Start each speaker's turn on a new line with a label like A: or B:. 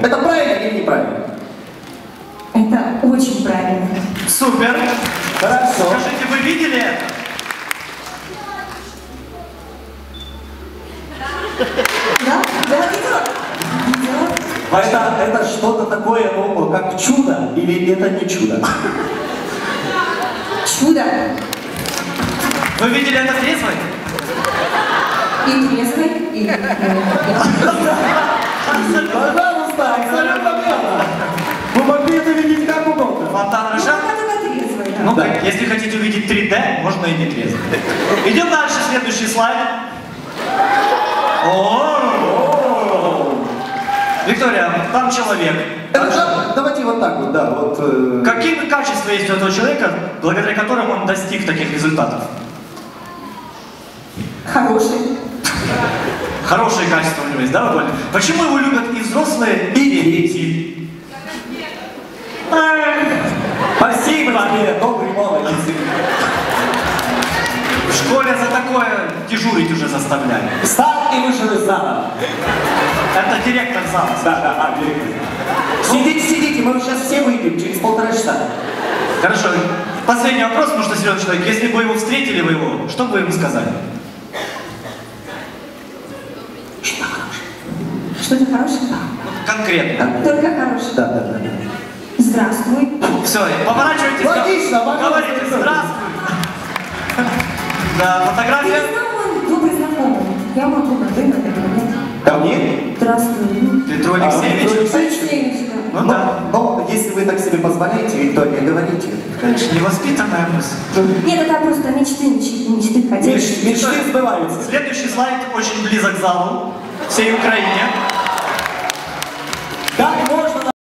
A: Это правильно или неправильно?
B: Это очень правильно.
C: Супер.
A: Хорошо.
C: Скажите, вы видели это?
B: Да? Да, видела?
A: Это что-то такое, ну, как чудо, или это не чудо?
B: Чудо.
C: Вы видели это трезвой?
B: И трезвый, и...
A: Пожалуйста, абсолютно верно. Вы могли это видеть как угодно.
C: Фонтан Рожа?
B: трезвый, да.
C: Ну да, если хотите увидеть 3D, можно и не трезво. Идем дальше, следующий слайд. О! Виктория, там человек.
A: Давайте вот так вот, да. Вот,
C: Какие качества есть у этого человека, благодаря которым он достиг таких результатов?
B: Хороший.
C: Хорошие качества у него есть, да, вы поняли? Почему его любят и взрослые, и дети?
A: Спасибо тебе, добрый молодец.
C: В школе за такое дежурить уже заставляли.
A: Встал и вышел из зала.
C: Это директор зала.
A: Да, директор. Сидите, мы сейчас все выйдем через 1,5 часа.
C: Хорошо. Последний вопрос, потому что серьезный человек. Если бы вы его встретили, вы его, что бы вы ему сказали?
B: Что-то хорошее?
C: Конкретно.
B: Только хорошее.
A: Да.
B: Здравствуй.
C: Все, поворачивайтесь.
A: Логично,
C: говорите здравствуй. Да, фотография.
B: Я знаю, он добрый знакомый. Я могу на ты, наверное, нет?
A: Ко мне?
B: Здравствуй.
C: Петр Алексеевич.
B: Алексеевич, да.
C: Ну да.
A: Но если вы так себе позволяете, Виктория, говорите.
C: Конечно, невоспитанная мысль.
B: Нет, это просто мечты хотели.
A: Мечты сбываются.
C: Следующий слайд очень близок к залу, всей Украине.